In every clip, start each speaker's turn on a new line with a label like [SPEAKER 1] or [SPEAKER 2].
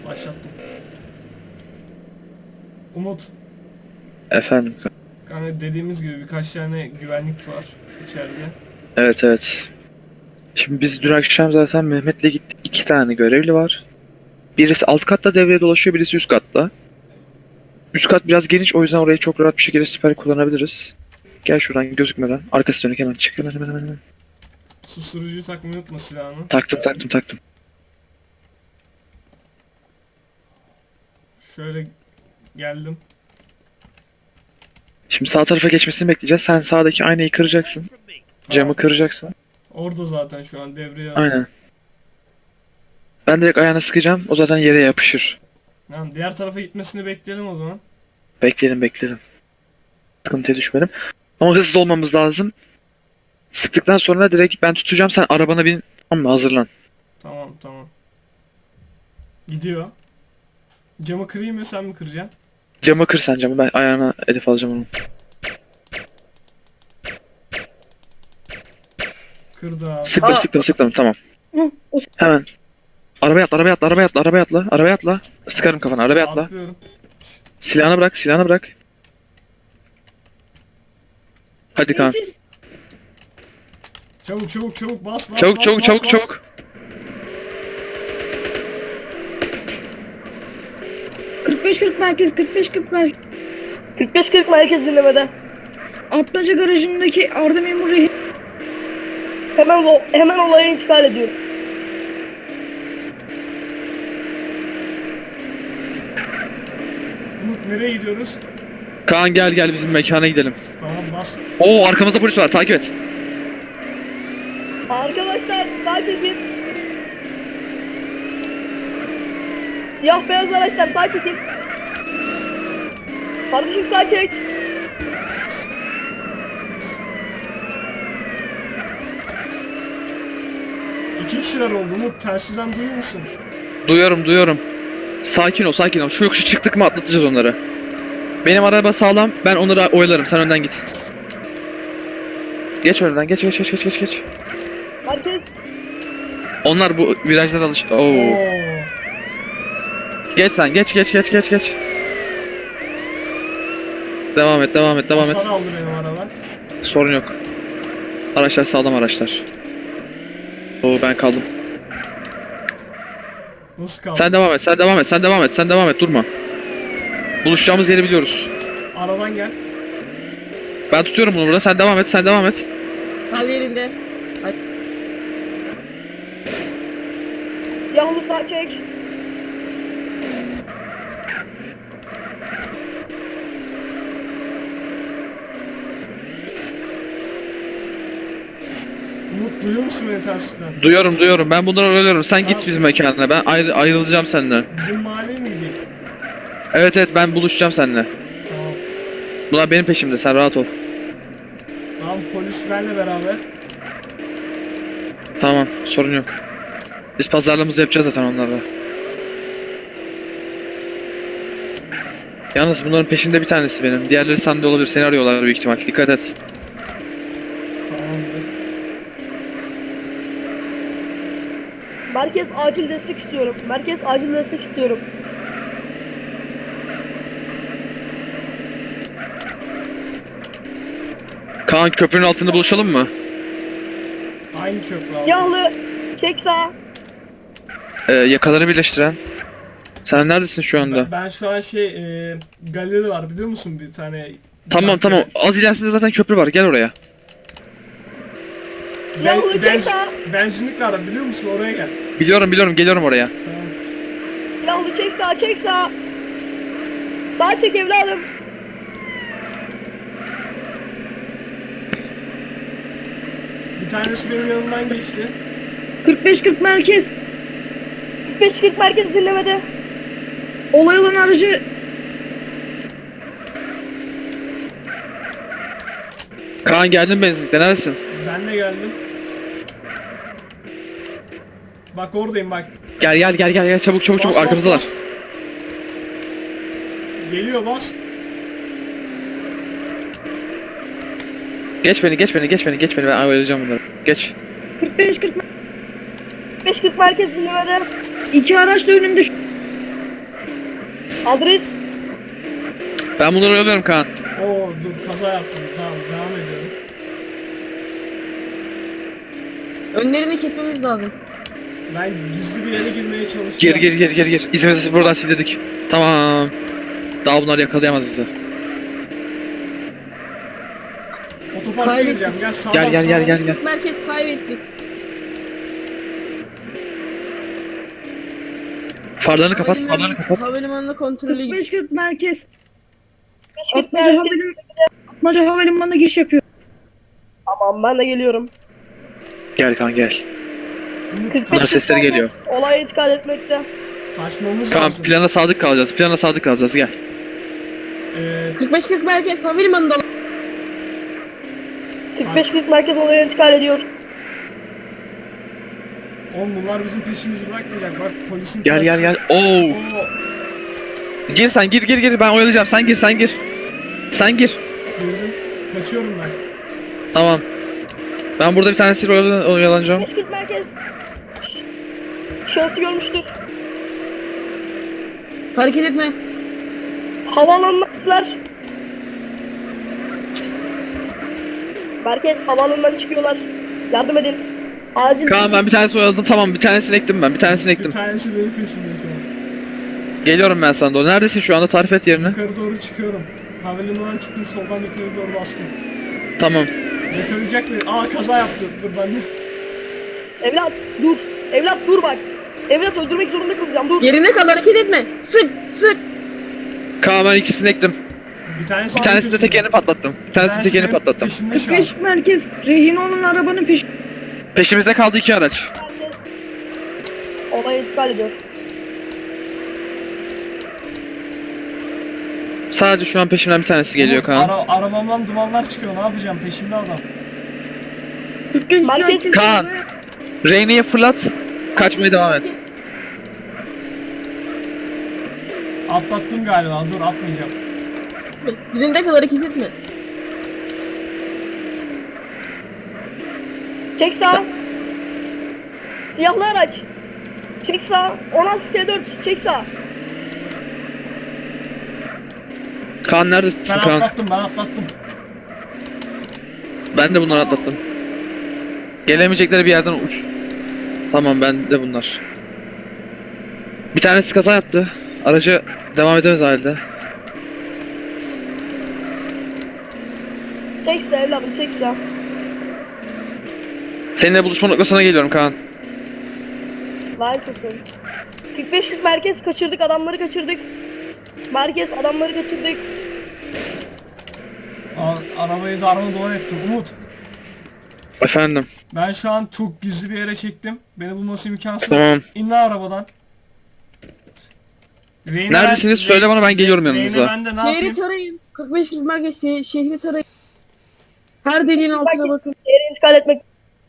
[SPEAKER 1] Başlattım. Umut.
[SPEAKER 2] Efendim.
[SPEAKER 1] Yani dediğimiz gibi birkaç tane güvenlik var içeride.
[SPEAKER 2] Evet evet. Şimdi biz dün akşam zaten Mehmet'le gittik. 2 tane görevli var. Birisi alt katta devreye dolaşıyor, birisi üst katta. Üst kat biraz geniş, o yüzden orayı çok rahat bir şekilde siper kullanabiliriz. Gel şuradan gözükmeden. Arkası dönük hemen çık. Hemen.
[SPEAKER 1] Susturucuyu takmayı unutma silahını.
[SPEAKER 2] Taktım.
[SPEAKER 1] Şöyle geldim.
[SPEAKER 2] Şimdi sağ tarafa geçmesini bekleyeceğiz. Sen sağdaki aynayı kıracaksın. Camı kıracaksın.
[SPEAKER 1] Orada zaten şu an devreye
[SPEAKER 2] Aynen. Ben direkt ayağına sıkacağım. O zaten yere yapışır.
[SPEAKER 1] Tamam, diğer tarafa gitmesini bekleyelim o zaman.
[SPEAKER 2] Bekleyelim. Sıkıntıya düşmeyelim. Ama hızlı olmamız lazım. Sıktıktan sonra direkt ben tutacağım. Sen arabana bin. Tamam mı? Hazırlan.
[SPEAKER 1] Tamam. Gidiyor. Camı kırayım mı sen mi kıracaksın?
[SPEAKER 2] Camı kır sen camı. Ben ayağına hedef alacağım onu.
[SPEAKER 1] Kırdı abi.
[SPEAKER 2] Sıktım. Tamam. Hemen. Arabaya atla. Sıkarım kafana. Arabaya atla.
[SPEAKER 1] Atlıyorum.
[SPEAKER 2] Silahını bırak. Hadi Kaan.
[SPEAKER 1] Çabuk bas.
[SPEAKER 2] Çabuk.
[SPEAKER 3] 45-40 merkez, 45-40 merkez.
[SPEAKER 4] 45-40 merkez dinlemede.
[SPEAKER 3] Atmaca garajındaki Arda Memur rehin.
[SPEAKER 4] Hemen olaya intikal ediyorum.
[SPEAKER 1] Umut nereye gidiyoruz?
[SPEAKER 2] Kaan gel bizim mekana gidelim.
[SPEAKER 1] Tamam bas.
[SPEAKER 2] Oo, arkamızda polis var. Takip et.
[SPEAKER 4] Arkadaşlar sağ çekin. Siyah beyaz araçlar sağ çekin. Kardeşim sağ çek.
[SPEAKER 1] İki kişiler oldu Umut. Telsizden duyuyor musun?
[SPEAKER 2] Duyuyorum. Sakin ol. Şu yokuşu çıktık mı atlatacağız onları. Benim araba sağlam. Ben onları oyalarım. Sen önden git. Geç önden. Geç.
[SPEAKER 4] Merkez.
[SPEAKER 2] Onlar bu virajlara Oo.
[SPEAKER 1] Oo.
[SPEAKER 2] Geç sen. Geç. Devam et.
[SPEAKER 1] Hasar aldı benim araba.
[SPEAKER 2] Sorun yok. Araçlar sağlam araçlar. Oo, ben kaldım.
[SPEAKER 1] Nasıl kaldı?
[SPEAKER 2] Sen devam et. Durma. Buluşacağımız yeri biliyoruz.
[SPEAKER 1] Aradan gel.
[SPEAKER 2] Ben tutuyorum bunu burada. Sen devam et.
[SPEAKER 4] Al yerinde. Siyahlı sağ çek.
[SPEAKER 1] Umut duyuyor musun beni telsizden?
[SPEAKER 2] Duyuyorum. Ben bunları oynuyorum. Sen git bizim mekanına. Ben ayrılacağım seninle.
[SPEAKER 1] Bizim mahalleye mi gideyim?
[SPEAKER 2] Evet ben buluşacağım seninle.
[SPEAKER 1] Tamam.
[SPEAKER 2] Bunlar benim peşimde. Sen rahat ol.
[SPEAKER 1] Tamam polis benle beraber.
[SPEAKER 2] Tamam. Sorun yok. Biz pazarlığımızı yapacağız zaten onlarla. Yalnız bunların peşinde bir tanesi benim. Diğerleri sende olabilir. Seni arıyorlar büyük ihtimal. Dikkat et.
[SPEAKER 1] Tamamdır.
[SPEAKER 4] Merkez acil destek istiyorum.
[SPEAKER 2] Kaan, köprünün altında buluşalım mı?
[SPEAKER 1] Aynı köprü aldım.
[SPEAKER 4] Siyahlı çek sağ.
[SPEAKER 2] Yakaları birleştiren. Sen neredesin şu anda?
[SPEAKER 1] Ben şu an galeri var biliyor musun bir tane.
[SPEAKER 2] Tamam. Az ilerisinde zaten köprü var. Gel oraya.
[SPEAKER 4] Siyahlı çek sağ.
[SPEAKER 1] Benzinlik var biliyor musun oraya gel.
[SPEAKER 2] Biliyorum. Geliyorum oraya.
[SPEAKER 1] Tamam.
[SPEAKER 4] Siyahlı çek sağ. Sağ çek evladım.
[SPEAKER 1] Bir tanesi benim yanımdan geçti.
[SPEAKER 3] 45-40 merkez.
[SPEAKER 4] 45-40 merkez dinlemede.
[SPEAKER 3] Olay olan aracı
[SPEAKER 2] Kaan, geldin benzinlikte. Neredesin?
[SPEAKER 1] Ben de geldim. Bak oradayım bak.
[SPEAKER 2] Gel. Çabuk.
[SPEAKER 1] Bas,
[SPEAKER 2] Arkamızdalar.
[SPEAKER 1] bas. Geliyor bas.
[SPEAKER 2] Geç beni. Ben ayarlayacağım bunları. Geç.
[SPEAKER 3] 45-40
[SPEAKER 4] 45-40 merkez dinlemede.
[SPEAKER 3] iki araç da önümde.
[SPEAKER 4] Adres.
[SPEAKER 2] Ben bunları oyalıyorum Kaan.
[SPEAKER 1] Oo dur, kaza yaptım. Tamam, devam ediyorum.
[SPEAKER 5] Önlerini kesmemiz lazım.
[SPEAKER 1] Ben gizli bir yere girmeye çalışacağım.
[SPEAKER 2] Gir. İzimizi buradan sildirdik. Tamam. Daha bunlar yakalayamaz bizi.
[SPEAKER 1] Otoparka
[SPEAKER 5] Kaybettim.
[SPEAKER 1] gireceğim. Gel sağdan
[SPEAKER 2] Gel.
[SPEAKER 5] Merkez kaybettik.
[SPEAKER 2] Farlarını kapat.
[SPEAKER 5] Havalimanına kontrolü
[SPEAKER 3] 45-40 merkez.
[SPEAKER 4] Merkez.
[SPEAKER 3] Atmaca havalimanına giriş yapıyor.
[SPEAKER 4] Tamam ben de geliyorum.
[SPEAKER 2] Gel Kaan gel.
[SPEAKER 1] Umut,
[SPEAKER 4] 45
[SPEAKER 2] sesleri
[SPEAKER 4] merkez
[SPEAKER 2] geliyor.
[SPEAKER 4] Olaya intikal etmekte.
[SPEAKER 1] kaçmamız
[SPEAKER 2] Kaan
[SPEAKER 1] lazım.
[SPEAKER 2] plana sadık kalacağız. Gel.
[SPEAKER 5] 45-40 merkez havalimanında.
[SPEAKER 4] 45-40 merkez olaya intikal ediyor.
[SPEAKER 1] Oğlum bunlar bizim peşimizi bırakmayacak. Bak polisin
[SPEAKER 2] Gel. Oo.
[SPEAKER 1] Oo,
[SPEAKER 2] Gir sen gir. Ben oyalayacağım. Sen gir. Sen gir.
[SPEAKER 1] girdim. Kaçıyorum ben.
[SPEAKER 2] Tamam. Ben burada bir tanesiyle oyalanacağım.
[SPEAKER 4] 45-40 merkez. Şahsı görmüştür.
[SPEAKER 5] Hareket etme.
[SPEAKER 4] Havaalanına gittiler. Merkez havaalanından çıkıyorlar. Yardım edin. Acil.
[SPEAKER 2] Kaan ben bir tanesini oyaladım. Tamam bir tanesini ektim ben.
[SPEAKER 1] Bir tanesi benim peşimde şu an.
[SPEAKER 2] Geliyorum ben sana doğru. Neredesin şu anda? Tarif et yerini.
[SPEAKER 1] Yukarı doğru çıkıyorum. Havalimanından çıktım, soldan yukarı doğru bastım.
[SPEAKER 2] Tamam.
[SPEAKER 1] Yakalayacak beni. Aa, kaza yaptı. Dur ben de.
[SPEAKER 4] Evlat dur. Evlat dur bak. Evlat öldürmek zorunda kalacağım. Dur.
[SPEAKER 5] Yerine kal, hareket etme. Sık.
[SPEAKER 2] Kaan ben ikisini ektim.
[SPEAKER 1] Bir tanesi
[SPEAKER 2] Bir tanesini de tekerini patlattım.
[SPEAKER 1] benim peşimde şu an.
[SPEAKER 3] 45 merkez. Rehin olan arabanın peşi.
[SPEAKER 2] Peşimizde kaldı 2 araç.
[SPEAKER 4] Merkez. Olaya intikal ediyor.
[SPEAKER 2] Sadece şu an peşimden bir tanesi geliyor
[SPEAKER 1] Umut,
[SPEAKER 2] Kaan.
[SPEAKER 1] arabamdan dumanlar çıkıyor. Ne yapacağım? Peşimde adam.
[SPEAKER 3] 45
[SPEAKER 4] Merkez.
[SPEAKER 3] merkez.
[SPEAKER 2] Kaan. Reyne'yi fırlat. Kaçmaya devam et.
[SPEAKER 1] Atlattım galiba. Dur, atmayacağım.
[SPEAKER 5] Yerinde kal, hareket etme.
[SPEAKER 4] Çek sağ. Siyahlı araç. Çek sağ. 16 S4. Çek sağ.
[SPEAKER 2] Kaan neredesin
[SPEAKER 1] Ben
[SPEAKER 2] Kaan?
[SPEAKER 1] atlattım.
[SPEAKER 2] Ben de bunları atlattım. Gelemeyecekleri bir yerden uç. Tamam ben de bunlar. Bir tanesi kaza yaptı. Aracı devam edemez halde.
[SPEAKER 4] Çek sağ evladım çek sağ.
[SPEAKER 2] Seninle buluşma noktasına geliyorum Kaan.
[SPEAKER 4] Lanet olsun. 45 merkez kaçırdık. Adamları kaçırdık. Merkez adamları kaçırdık.
[SPEAKER 1] Arabayı darmadağın ettim. Umut.
[SPEAKER 2] Efendim.
[SPEAKER 1] Ben şu an çok gizli bir yere çektim. Beni bulması imkansız.
[SPEAKER 2] Tamam.
[SPEAKER 1] İn lan arabadan. Reyne
[SPEAKER 2] Neredesiniz? Söyle bana, ben geliyorum yanınıza.
[SPEAKER 1] Reyne ben de ne
[SPEAKER 5] Şehri
[SPEAKER 1] yapayım?
[SPEAKER 5] tarayın. 45-40 merkez şehri tarayın. Her deliğin altına bakın.
[SPEAKER 4] Yere intikal etmek.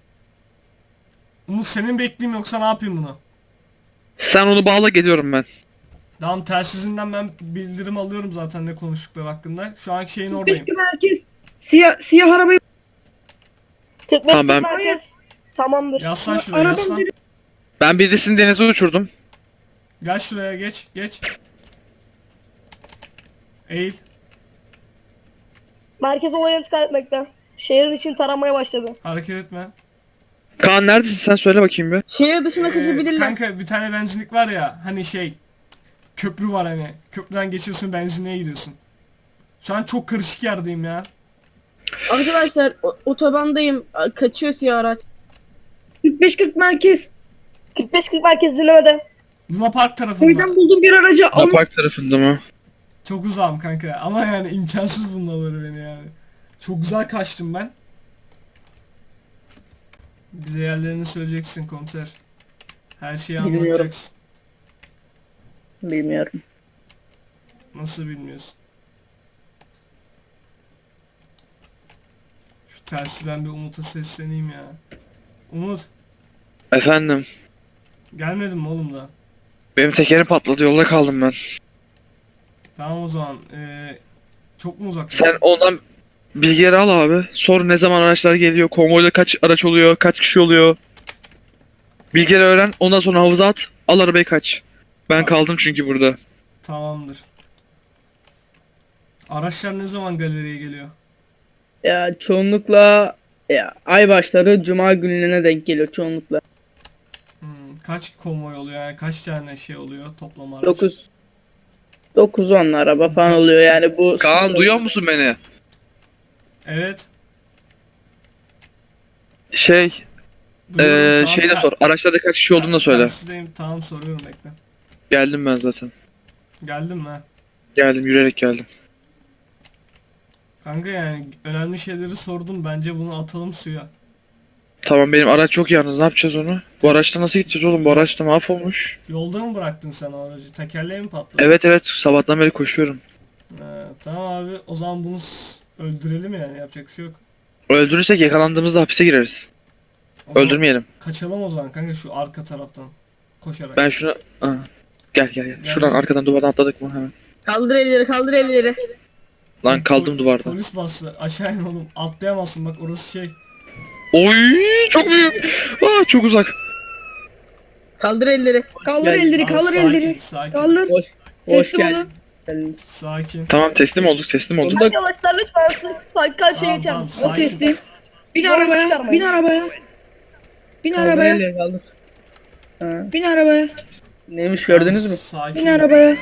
[SPEAKER 1] Umut, senin bekleyeyim yoksa ne yapayım bunu?
[SPEAKER 2] Sen onu bağla, geliyorum ben.
[SPEAKER 1] Tamam, telsizinden ben bildirim alıyorum zaten ne konuştukları hakkında. Şu anki şeyin
[SPEAKER 3] 45
[SPEAKER 1] oradayım.
[SPEAKER 3] merkez. Siyah arabayı.
[SPEAKER 4] 45
[SPEAKER 2] Tamam, ben-
[SPEAKER 4] merkez. Tamamdır.
[SPEAKER 1] Yaslan şuraya,
[SPEAKER 3] Arabanın
[SPEAKER 1] yaslan.
[SPEAKER 2] Ben birisini denize uçurdum.
[SPEAKER 1] Gel şuraya, geç. Eğil.
[SPEAKER 4] Merkez olaya intikal etmekte. Şehrin için taramaya başladı.
[SPEAKER 1] Hareket etme.
[SPEAKER 2] Kaan neredesin sen, söyle bakayım bir.
[SPEAKER 5] Şehir dışına kaçabilirler.
[SPEAKER 1] Kanka bir tane benzinlik var ya, hani şey, köprü var hani. Köprüden geçiyorsun, benzinliğe gidiyorsun. Şu an çok karışık yerdeyim ya.
[SPEAKER 5] Arkadaşlar otobandayım. Kaçıyor siyah araç.
[SPEAKER 3] 45-40 merkez.
[SPEAKER 4] 45-40 merkez dinlemede.
[SPEAKER 1] Luna Park tarafında.
[SPEAKER 3] Köyden buldum bir aracı.
[SPEAKER 2] Park tarafında mı?
[SPEAKER 1] Çok uzağım kanka ama yani imkansız bulmaları beni yani. Çok güzel kaçtım ben. Bize yerlerini söyleyeceksin komiser. Her şeyi
[SPEAKER 6] Bilmiyorum.
[SPEAKER 1] anlatacaksın.
[SPEAKER 6] Bilmiyorum.
[SPEAKER 1] Nasıl bilmiyorsun? Şu telsizden bir Umut'a sesleneyim ya. Umut,
[SPEAKER 2] Efendim.
[SPEAKER 1] gelmedin mi oğlum da?
[SPEAKER 2] Benim tekerim patladı, yolda kaldım ben.
[SPEAKER 1] Tamam o zaman. Çok mu uzaktasın?
[SPEAKER 2] Sen ondan bilgileri al abi. Sor ne zaman araçlar geliyor, konvoyda kaç araç oluyor, kaç kişi oluyor. Bilgileri öğren, ondan sonra havuza at, al arabayı kaç. Ben kaldım çünkü burada.
[SPEAKER 1] Tamamdır. Araçlar ne zaman galeriye geliyor?
[SPEAKER 6] Ya çoğunlukla ya, ay başları cuma günlerine denk geliyor çoğunlukla.
[SPEAKER 1] Kaç konvoy oluyor yani kaç tane şey oluyor toplam araç?
[SPEAKER 6] 9-10 araba falan oluyor yani bu.
[SPEAKER 2] Kaan duyuyor musun beni?
[SPEAKER 1] Evet. Duyuyorum şu an.
[SPEAKER 2] Şey de sor. Araçlarda kaç kişi olduğunu da söyle.
[SPEAKER 1] Tersindeyim. Tamam soruyorum bekle.
[SPEAKER 2] Geldim ben zaten.
[SPEAKER 1] Geldim mi?
[SPEAKER 2] Geldim, yürüyerek geldim.
[SPEAKER 1] Kanka yani önemli şeyleri sordum. Bence bunu atalım suya.
[SPEAKER 2] Tamam, benim araç çok yalnız, ne yapacağız onu? Bu araçta nasıl gideceğiz oğlum? Bu araçta mahvolmuş.
[SPEAKER 1] Yolda mı bıraktın sen o aracı? Tekerleği mi patladı?
[SPEAKER 2] Evet, sabahtan beri koşuyorum.
[SPEAKER 1] Tamam abi o zaman bunu öldürelim yani yapacak bir şey yok.
[SPEAKER 2] Öldürürsek yakalandığımızda hapise gireriz.
[SPEAKER 1] O zaman
[SPEAKER 2] Öldürmeyelim.
[SPEAKER 1] kaçalım o zaman kanka şu arka taraftan. Koşarak.
[SPEAKER 2] Ben şunu... Aa, gel. Şuradan arkadan duvardan atladık mı hemen?
[SPEAKER 5] Kaldır elleri kaldır elleri.
[SPEAKER 2] Lan kaldım duvarda.
[SPEAKER 1] Polis bastı. Aşağı in oğlum. Atlayamazsın bak orası şey.
[SPEAKER 2] Oy, çok büyük. Aa, çok uzak.
[SPEAKER 5] Kaldır elleri.
[SPEAKER 3] Kaldır
[SPEAKER 6] Gel.
[SPEAKER 3] elleri,
[SPEAKER 1] Abi,
[SPEAKER 3] kaldır
[SPEAKER 1] sakin,
[SPEAKER 3] elleri.
[SPEAKER 1] Sakin.
[SPEAKER 3] Kaldır.
[SPEAKER 6] Hoş
[SPEAKER 3] Teslim
[SPEAKER 6] geldin.
[SPEAKER 3] olun.
[SPEAKER 1] Sakin.
[SPEAKER 2] Tamam, teslim olduk.
[SPEAKER 4] Arkadaşlar lütfen karşıya
[SPEAKER 1] Tamam,
[SPEAKER 4] geçer
[SPEAKER 1] tamam,
[SPEAKER 4] misiniz?
[SPEAKER 3] O
[SPEAKER 1] sakin.
[SPEAKER 3] teslim. Bin
[SPEAKER 4] Zorluk
[SPEAKER 3] arabaya,
[SPEAKER 4] çıkarmayın.
[SPEAKER 3] bin arabaya. Bin
[SPEAKER 6] Kaldır
[SPEAKER 3] arabaya,
[SPEAKER 6] elleri kaldır. Ha,
[SPEAKER 3] bin arabaya,
[SPEAKER 6] neymiş gördünüz mü?
[SPEAKER 1] Sakin.
[SPEAKER 3] bin arabaya.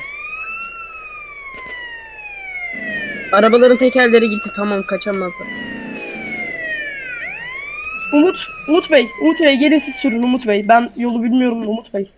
[SPEAKER 5] Arabaların tekerleri gitti tamam kaçamazlar.
[SPEAKER 4] Umut Bey gelin siz sürün Umut Bey. Ben yolu bilmiyorum Umut Bey.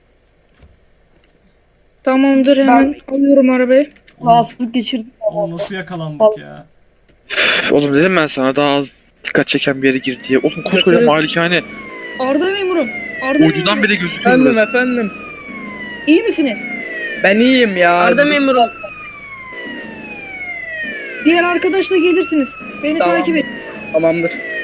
[SPEAKER 3] Tamamdır, hemen alıyorum arabayı.
[SPEAKER 4] Rahatsızlık geçirdim.
[SPEAKER 1] Oğlum nasıl yakalandık ya?
[SPEAKER 2] Oğlum dedim ben sana, daha az dikkat çeken bir yere gir diye. Oğlum koskoca
[SPEAKER 6] Yaparız.
[SPEAKER 2] malikane.
[SPEAKER 3] Arda memurum. Arda
[SPEAKER 2] Ucundan
[SPEAKER 3] memurum.
[SPEAKER 2] bile gözüküyor.
[SPEAKER 6] Efendim
[SPEAKER 2] burası.
[SPEAKER 6] efendim.
[SPEAKER 3] İyi misiniz?
[SPEAKER 6] Ben iyiyim ya.
[SPEAKER 5] Arda memurum.
[SPEAKER 3] Diğer arkadaşla gelirsiniz. Beni
[SPEAKER 6] Tamam.
[SPEAKER 3] takip et.
[SPEAKER 6] Tamamdır.